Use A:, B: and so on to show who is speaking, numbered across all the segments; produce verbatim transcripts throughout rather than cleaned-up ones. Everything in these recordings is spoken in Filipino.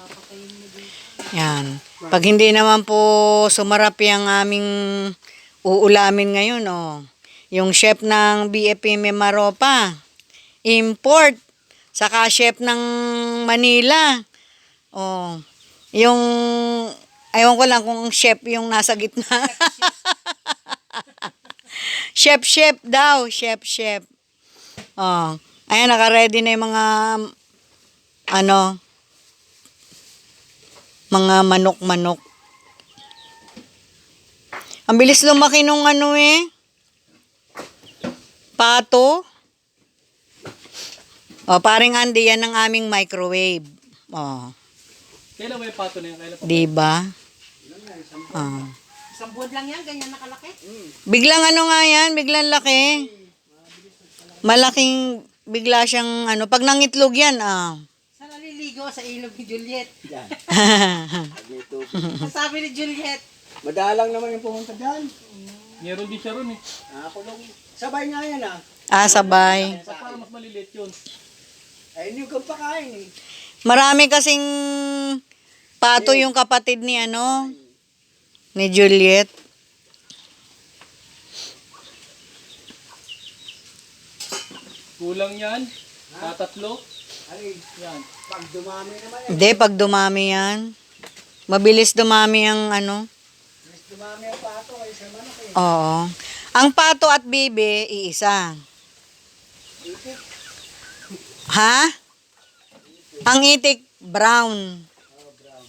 A: Yan. Pag hindi naman po sumarap yung aming uulamin ngayon, oh. Yung chef ng B F M Maropa, import, saka chef ng Manila, oh. Yung, ayaw ko lang kung chef yung nasa gitna. chef, chef daw, chef, chef. Oh. Ayan, naka-ready na yung mga, ano, mga manok-manok. Ang bilis lumaki nung ano eh. Pato. O, paring Andy, yan ang aming microwave. O.
B: Kailan ba yung pato na yan? Kailan pa?
A: Diba? O.
C: Isang buwan lang yan, ganyan nakalaki.
A: Biglang ano nga yan, biglang laki. Malaking, bigla siyang ano, pag nangitlog yan, ah.
C: Saan naliligo? Sa ilog ni Juliet.
D: Yan.
C: Sabi ni Juliet.
D: Madalang naman yung pumunta dyan.
B: Meron din siya ron eh.
D: Ako lang. Sabay nga yan ah.
A: Ah, sabay.
B: Sa para mas maliliit yun.
D: Ayun yung kang pakain eh.
A: Marami kasing pato yung kapatid ni ano, ni Juliet.
B: Kulang yan. Tatatlo.
D: Ay,
B: Yan.
D: pag dumami naman yan.
A: Hindi, pag dumami yan. Mabilis dumami ang ano.
D: Mas dumami ang pato kayo sa manok eh.
A: Oo. Ang pato at bibe, iisa.
D: Itik.
A: Ha? Ang itik, brown.
D: Oh, brown.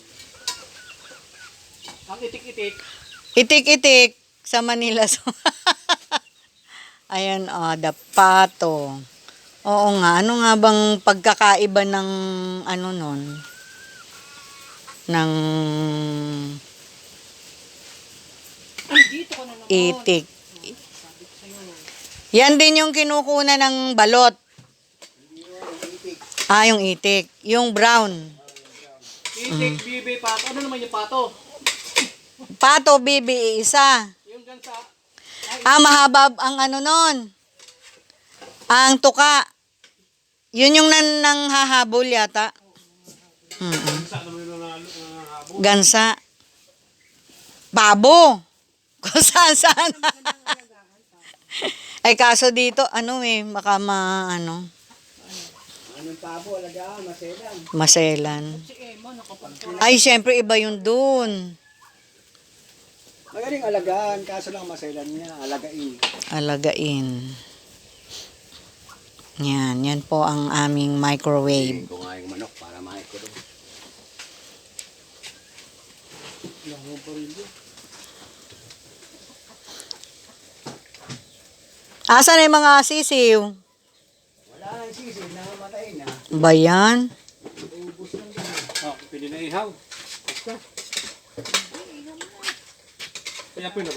B: Ang itik-itik.
A: Itik-itik sa Manila. Ayan, oh, the pato. Oo nga, ano nga bang pagkakaiba ng ano nun? Ng
C: Ay, dito ko na naman.
A: itik. Yan din yung kinukuna ng balot.
D: Itik.
A: Ah, yung itik. Yung brown.
B: Itik, bibi, pato. Ano naman yung pato?
A: Pato, bibi, isa.
B: Yung gansa.
A: Ah, mahaba ang ano nun. Ang tuka. Yun yung nan nang hahabol yata. Mm-mm. Gansa. Babo. Kung saan saan. Ay kaso dito, ano eh, baka ma, ano,
D: Anong pabo, alagaan, maselan.
A: maselan.
C: Si Emma, nakapag
A: Ay, syempre iba yun dun.
D: Magaling alagaan, kaso lang maselan niya, alagain.
A: Alagain. Yan, yan po ang aming microwave.
D: Ko nga yung manok para makikita doon.
A: Asan na yung mga sisiw?
D: Wala nang sisi, namamatay na.
A: Ba yan?
B: Oh, pwede na ihaw. Basta. Kaya po